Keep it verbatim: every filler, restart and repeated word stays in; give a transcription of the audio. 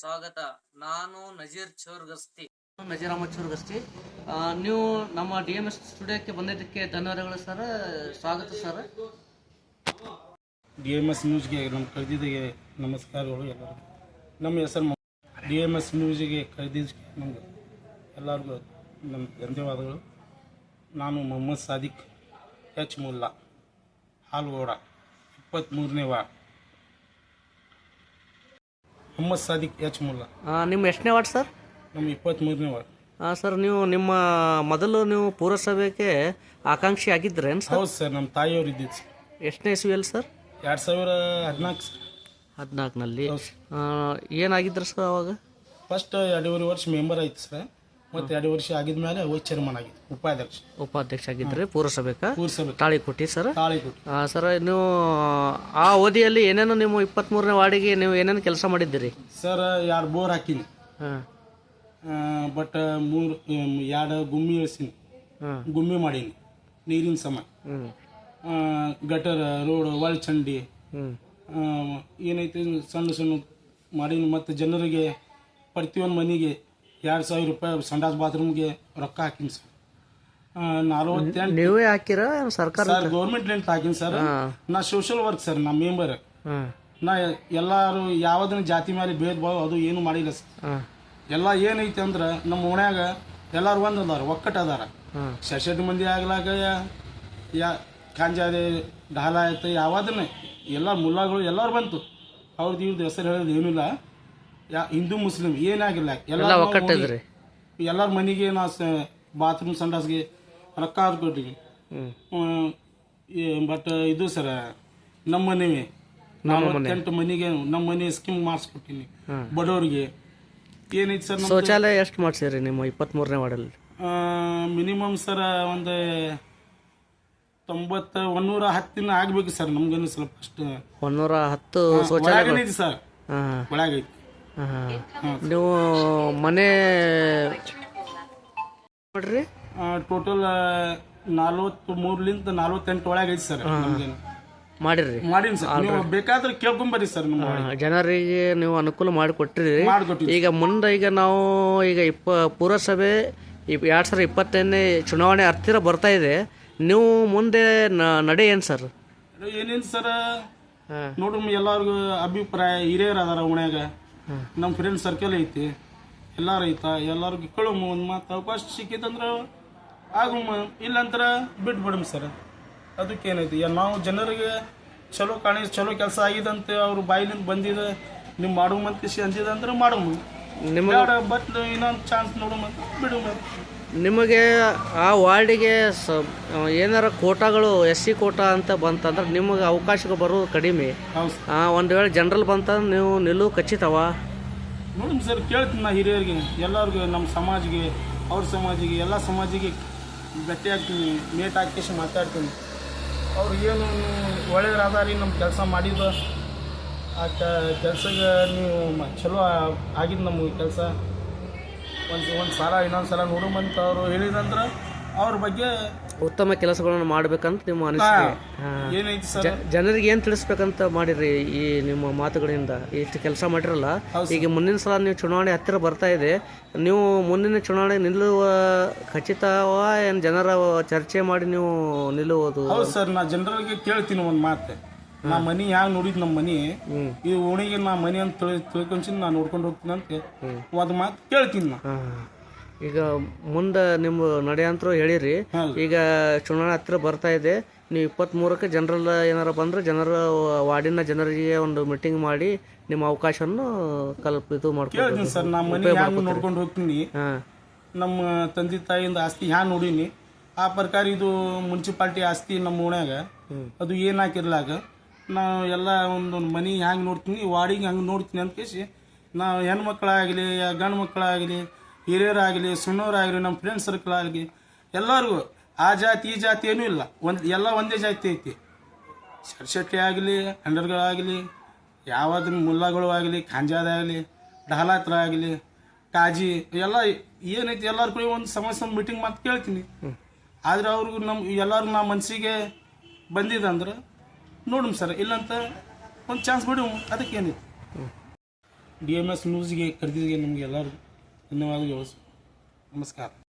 ಸ್ವಾಗತ. ನಾನು ನಜೀರ್ ಚೋರ್ಗಸ್ತಿ ನಜೀರ್ ಅಹಮದ್ ಚೋರ್ಗಸ್ತಿ. ನೀವು ನಮ್ಮ ಡಿ ಎಮ್ ಎಸ್ ಸ್ಟುಡಿಯೋಕ್ಕೆ ಬಂದಿದ್ದಕ್ಕೆ ಧನ್ಯವಾದಗಳು ಸರ್. ಸ್ವಾಗತ ಸರ್. ಡಿ ಎಮ್ ಎಸ್ ನ್ಯೂಸ್ಗೆ ನಮ್ಮ ಕರೆದಿದ್ದಕ್ಕೆ ನಮಸ್ಕಾರಗಳು ಎಲ್ಲರಿಗೂ. ನಮ್ಮ ಹೆಸರು ಡಿ ಎಮ್ ಎಸ್ ನ್ಯೂಸ್ಗೆ ಕರೆದಿದ್ದಕ್ಕೆ ನಮ್ಗೆ ಎಲ್ಲರಿಗೂ ನಮ್ಮ ಧನ್ಯವಾದಗಳು. ನಾನು ಮೊಹಮ್ಮದ್ ಸಾದಿಕ್ ಎಚ್ ಮುಲ್ಲಾ, ಹಾಲ್ಗೋಡ, ಇಪ್ಪತ್ತ್ಮೂರನೇ ವಾರ್ಡ್. ಮೊಹಮ್ಮದ್ ಸಾದಿಕ್ ಎಚ್ ಮುಲ್ಲಾ. ನಿಮ್ಮ ಎಷ್ಟನೇ ವಾರ್ಡ್ ಸರ್? ನಮ್ಮ ಇಪ್ಪತ್ತ್ಮೂರನೇ ವಾರ್ಡ್. ಹಾಂ ಸರ್, ನೀವು ನಿಮ್ಮ ಮೊದಲು ನೀವು ಪುರಸಭೆಗೆ ಆಕಾಂಕ್ಷಿ ಆಗಿದ್ರೇನು ಸರ್? ಹೌದು ಸರ್, ನಮ್ಮ ತಾಯಿಯವರು ಇದ್ದಿದ್ದು ಸರ್. ಎಷ್ಟನೇ ಇಸ್ವಿಯಲ್ಲಿ ಸರ್? ಎರಡು ಸಾವಿರ ಹದಿನಾಲ್ಕು ಸರ್. ಹದಿನಾಲ್ಕನಲ್ಲಿ ಏನಾಗಿದ್ರು ಸರ್ ಅವಾಗ? ಫಸ್ಟ್ ಎರಡೂವರೆ ವರ್ಷ ಮೆಂಬರ್ ಆಯ್ತು ಸರ್. ಮತ್ತು ಎರಡು ವರ್ಷ ಆಗಿದ್ಮೇಲೆ ವೈಸ್ ಚೇರ್ಮನ್ ಆಗಿದ್ದು, ಉಪಾಧ್ಯಕ್ಷ ಉಪಾಧ್ಯಕ್ಷ ಆಗಿದ್ದರೆ ಪುರಸಭೆಗೆ ಪುರಸಭೆ ತಾಳಿಕೊಟ್ಟಿ ಸರ್. ತಾಳಿಕೊಟ್ಟಿ ಸರ್, ನೀವು ಆ ಅವಧಿಯಲ್ಲಿ ಏನೇನು ನಿಮ್ಮ ಇಪ್ಪತ್ತ್ಮೂರನೇ ವಾರ್ಡಿಗೆ ನೀವು ಏನೇನು ಕೆಲಸ ಮಾಡಿದ್ದೀರಿ ಸರ್? ಎರಡು ಬೋರ್ ಹಾಕಿನಿ, ಹಾಂ, ಬಟ್ ಮೂರು ಎರಡು ಗುಮ್ಮಿ ಇಳಿಸೀನಿ, ಗುಮ್ಮಿ ಮಾಡೀನಿ ನೀರಿನ ಸಮ, ಗಟರ್ ರೋಡ್ ಒಳಚಂಡಿ ಏನೈತೆ ಸಣ್ಣ ಸಣ್ಣ ಮಾಡೀನಿ. ಮತ್ತು ಜನರಿಗೆ ಪ್ರತಿಯೊಂದು ಮನೆಗೆ ಎರಡು ಸಾವಿರ ರೂಪಾಯಿ ಸಂಡಾಸ್ ಬಾತ್ರೂಮ್ಗೆ ರೊಕ್ಕ ಹಾಕಿನಿ ಸರ್. ನಲ್ವತ್ತೆಂಟು ನೀವೇ ಹಾಕಿರ ಸರ್ಕಾರ? ಸರ್, ಗೌರ್ಮೆಂಟ್ ಹಾಕಿನಿ ಸರ್. ನಾ ಸೋಷಿಯಲ್ ವರ್ಕ್ ಸರ್, ನಾ ಮೆಂಬರ್. ನಾ ಎಲ್ಲರೂ ಯಾವುದನ್ನ ಜಾತಿ ಮೇಲೆ ಭೇದ ಭಾವ ಅದು ಏನು ಮಾಡಿಲ್ಲ ಸರ್. ಎಲ್ಲ ಏನೈತಿ ಅಂದ್ರೆ ನಮ್ಮ ಓಣ್ಯಾಗ ಎಲ್ಲರೂ ಒಂದು ಅದಾರ, ಒಕ್ಕಟ್ಟು ಅದಾರ. ಸೆಸೆಟ್ ಮಂದಿ ಆಗ್ಲಾಗ ಯಾ ಕಾಂಜಾದೆ ಢಾಲ ಆಯ್ತು ಯಾವ್ದನ್ನ ಎಲ್ಲ ಮುಲ್ಲಾಗಳು ಎಲ್ಲರೂ ಬಂತು. ಅವ್ರದ್ದು ಇವ್ರದ್ದು ಹೆಸರು ಹೇಳೋದು ಏನಿಲ್ಲ. ಯಾ ಹಿಂದೂ ಮುಸ್ಲಿಂ ಏನಾಗಿಲ್ಲ, ಎಲ್ಲ ಒಕ್ಕಟ್ಟಿದ್ರಿ. ಎಲ್ಲರ ಮನೆಗೆ ನಾ ಬಾತ್ರೂಮ್ ಸಂಡಾಸ್ಗೆ ರೊಕ್ಕ ಹಾಕ್ಕೊಟ್ಟಿವಿ. ಬಟ್ ಇದು ಸರ ನಮ್ಮ ಮನೆ ನಲವತ್ತೆಂಟು ಮನೆಗೆ ನಮ್ಮ ಮನೆ ಸ್ಕೀಮ್ ಮಾಡಿಸ್ಕೊಟ್ಟಿನಿ ಬಡವರಿಗೆ. ಏನೈತಿ ಸರ್, ಶೌಚಾಲಯ ಎಷ್ಟು ಮಾಡಿಸಿರಿ ನಿಮ್ಮ ಇಪ್ಪತ್ತ್ಮೂರನೇ ವಾರ್ಡಲ್ಲಿ? ಮಿನಿಮಮ್ ಸರ ಒಂದು ತೊಂಬತ್ತ ಒಂದೂರ ಹತ್ತಿನ ಆಗ್ಬೇಕು ಸರ್. ನಮ್ಗೇನು ಸ್ವಲ್ಪ ಅಷ್ಟು ಒಂದೂರ ಹತ್ತು ಶೌಚಾಲಯ ಸರ್, ಒಳಗೈತಿ. ನೀವು ಮನೆ ನೋಡ್ರಿ ಟೋಟಲ್ ನಲ್ವತ್ತ್ ಮೂರ್ಲಿಂದ ನಲ್ವತ್ತೆಂಟು ಒಳಗೈತಿ ಸರ್. ನಮ್ಗೇನು ಮಾಡಿರಿ ಮಾಡೀನಿ ಸರ್. ನೀವು ಬೇಕಾದ್ರೆ ಕೇಳ್ಕೊಂಬರ್ರಿ ಸರ್. ನಮ್ಮ ಜನರಿಗೆ ನೀವು ಅನುಕೂಲ ಮಾಡಿಕೊಟ್ಟಿರಿ. ಮಾಡಿಕೊಟ್ಟಿರಿ. ಈಗ ಮುಂದೆ ಈಗ ನಾವು ಈಗ ಇಪ್ಪ ಪುರಸಭೆ ಎರಡು ಸಾವಿರದ ಇಪ್ಪತ್ತೈದನೇ ಚುನಾವಣೆ ಹತ್ತಿರ ಬರ್ತಾ ಇದೆ. ನೀವು ಮುಂದೆ ನಡೆ ಏನು ಸರ್? ಏನೇನು ಸರ್ ನೋಡ್ರಿ, ಎಲ್ಲರಿಗೂ ಅಭಿಪ್ರಾಯ ಹಿರಿಯರು ಅದಾರ ಓಣ್ಯಾಗ, ನಮ್ಮ ಫ್ರೆಂಡ್ ಸರ್ಕಲ್ ಐತಿ, ಎಲ್ಲಾರು ಐತ. ಎಲ್ಲರಿಗೂ ಕೇಳಮ್ಮ ಒಂದು ಮಾತು ಅವಕಾಶ ಸಿಕ್ಕಿತ್ತಂದ್ರೆ ಆಗಮ್ಮ, ಇಲ್ಲಂದ್ರೆ ಬಿಟ್ಬಿಡಮ್ ಸರ್. ಅದಕ್ಕೇನೈತಿ, ನಾವು ಜನರಿಗೆ ಚಲೋ ಕಾಣಿ ಚಲೋ ಕೆಲಸ ಆಗಿದಂತೆ ಅವ್ರ ಬಾಯಿಲಿಂದ ಬಂದಿದೆ, ನೀವು ಮಾಡುವಂತ ಅಂದಿದಂದ್ರೆ ಮಾಡಮ್ಮ. ನಿಮಗೆ ಬಟ್ ಇನ್ನೊಂದು ಚಾನ್ಸ್ ನೋಡಮ್ಮ, ಬಿಡಮ್ಮ. ನಿಮಗೆ ಆ ವಾರ್ಡಿಗೆ ಸ ಏನಾರ ಕೋಟಾಗಳು ಎಸ್ ಸಿ ಕೋಟಾ ಅಂತ ಬಂತಂದ್ರೆ ನಿಮಗೆ ಅವಕಾಶಗಳು ಬರೋದು ಕಡಿಮೆ. ಒಂದು ವೇಳೆ ಜನರಲ್ ಬಂತಂದ್ರೆ ನೀವು ನಿಲ್ಲುವು ಖಚಿತವ? ನೋಡಿ ಸರ್, ಕೇಳ್ತೀನಿ ನಾ ಹಿರಿಯರಿಗೆ ಎಲ್ಲರಿಗೂ, ನಮ್ಮ ಸಮಾಜಿಗೆ ಅವ್ರ ಸಮಾಜಿಗೆ ಎಲ್ಲ ಸಮಾಜಿಗೆ ಭೇಟಿ ಆಗ್ತೀನಿ, ಮೇಟ್ ಹಾಕಿ ಮಾತಾಡ್ತೀನಿ. ಅವ್ರು ಏನು ಒಳ್ಳೆಯದಾದಾರಿ ನಮ್ಮ ಕೆಲಸ ಮಾಡಿದ್ದು, ಆ ಕೆಲಸಕ್ಕೆ ನೀವು ಚಲೋ ಆಗಿದ್ದು ನಮಗೆ ಕೆಲಸ ಒಂದು ಒಂದು ಸಲ ಇನ್ನೊಂದು ಸಲ ನೋಡುವಂತ ಅವರು ಹೇಳಿದಂದ್ರೆ ಅವ್ರ ಬಗ್ಗೆ ಉತ್ತಮ ಕೆಲಸಗಳನ್ನು ಮಾಡ್ಬೇಕಂತ ನಿಮ್ಮ ಅನಿಸಿಕೆ ಏನೈತಿ ಸರ್? ಜನರಿಗೆ ಏನು ತಿಳಿಸ್ಬೇಕಂತ ಮಾಡಿರಿ ಈ ನಿಮ್ಮ ಮಾತುಗಳಿಂದ? ಇಷ್ಟು ಕೆಲಸ ಮಾಡಿರಲ್ಲ, ಈಗ ಮುಂದಿನ ಸಲ ನೀವು ಚುನಾವಣೆ ಹತ್ತಿರ ಬರ್ತಾ ಇದೆ, ನೀವು ಮುಂದಿನ ಚುನಾವಣೆ ನಿಲ್ಲುವ ಖಚಿತವ ಏನು ಜನರ ಚರ್ಚೆ ಮಾಡಿ ನೀವು ನಿಲ್ಲುವುದು? ಹೌದು ಸರ್, ನಾ ಜನರಿಗೆ ಕೇಳ್ತೀನಿ ಒಂದು ಮಾತು. ನಾ ಮನಿ ಹ್ಯಾಂಗ ನೋಡಿದ್ ನಮ್ಮ ಮನಿ ಈ ಓಣಿಗೆ ನಾ ಮನಿ ಅಂತ ತಿಳಿ ತಿಳ್ಕೊಂಡ್ ನಾ ನೋಡ್ಕೊಂಡು ಹೋಗ್ತೀನಿ ಅಂತ ಒಂದು ಮಾತು ಕೇಳ್ತೀನಿ ನಾ. ಈಗ ಮುಂದೆ ನಿಮ್ಮ ನಡೆಯಂತರೂ ಹೇಳಿರಿ. ಈಗ ಚುನಾವಣೆ ಹತ್ತಿರ ಬರ್ತಾ ಇದೆ, ನೀವು ಇಪ್ಪತ್ತ್ಮೂರಕ್ಕೆ ಜನರಲ್ ಏನಾರ ಬಂದರೆ ಜನರ ವಾರ್ಡಿನ ಜನರಿಗೆ ಒಂದು ಮೀಟಿಂಗ್ ಮಾಡಿ ನಿಮ್ಮ ಅವಕಾಶವನ್ನು ಕಲ್ಪ ಇದು ಮಾಡ್ಕೊಳ್ತೀನಿ ಸರ್. ನಾ ಮನಿ ಹ್ಯಾಂಗ ನೋಡ್ಕೊಂಡು ಹೋಗ್ತೀನಿ, ನಮ್ಮ ತಂದೆ ತಾಯಿಯಿಂದ ಆಸ್ತಿ ಹ್ಯಾಂಗ ನೋಡೀನಿ ಆ ಪ್ರಕಾರ ಇದು ಮುನ್ಸಿಪಾಲ್ಟಿ ಆಸ್ತಿ ನಮ್ಮ ಓಣ್ಯಾಗ ಅದು ಏನು ಹಾಕಿರ್ಲಾಗ ನಾವು ಎಲ್ಲ ಒಂದೊಂದು ಮನೆ ಹ್ಯಾಂಗೆ ನೋಡ್ತೀನಿ, ವಾಡಿಗೆ ಹಂಗೆ ನೋಡ್ತೀನಿ ಅಂತ ಕೇಸಿ ನಾವು ಹೆಣ್ಮಕ್ಳಾಗಲಿ ಗಂಡು ಮಕ್ಕಳಾಗಲಿ ಹಿರಿಯರಾಗಲಿ ಸಣ್ಣವರಾಗಲಿ ನಮ್ಮ ಫ್ರೆಂಡ್ ಸರ್ಕಲ್ ಆಗಲಿ ಎಲ್ಲರಿಗೂ ಆ ಜಾತಿ ಈ ಜಾತಿ ಏನೂ ಇಲ್ಲ, ಒಂದು ಎಲ್ಲ ಒಂದೇ ಜಾತಿ ಐತಿ. ಶರ್ಶೆಟ್ಟಿ ಆಗಲಿ ಅಂಡರ್ಗಳಾಗಲಿ ಯಾವುದನ್ನ ಮುಲ್ಲಾಗಳು ಆಗಲಿ ಖಾಂಜಾದಾಗಲಿ ಢಾಲಾತ್ರ ಆಗಲಿ ಕಾಜಿ ಎಲ್ಲ ಏನೈತಿ ಎಲ್ಲರ ಕೂಡ ಒಂದು ಸಮಸ್ಯೆ ಮೀಟಿಂಗ್ ಮಾತು ಕೇಳ್ತೀನಿ. ಆದರೆ ಅವ್ರಿಗೂ ನಮ್ಮ ಎಲ್ಲರಿಗೂ ನಮ್ಮ ಮನಸ್ಸಿಗೆ ಬಂದಿದೆ ಅಂದ್ರೆ ನೋಡಮ್ ಸರ್, ಇಲ್ಲಂತ ಒಂದು ಚಾನ್ಸ್ ಬಿಡು, ಅದಕ್ಕೇನಿತ್ತು. ಡಿ ಎಮ್ ಎಸ್ ನ್ಯೂಸ್ಗೆ ಕರೆದಿದ್ದಕ್ಕೆ ನಿಮಗೆ ಎಲ್ಲರಿಗೂ ಧನ್ಯವಾದಗಳು. ನಮಸ್ಕಾರ.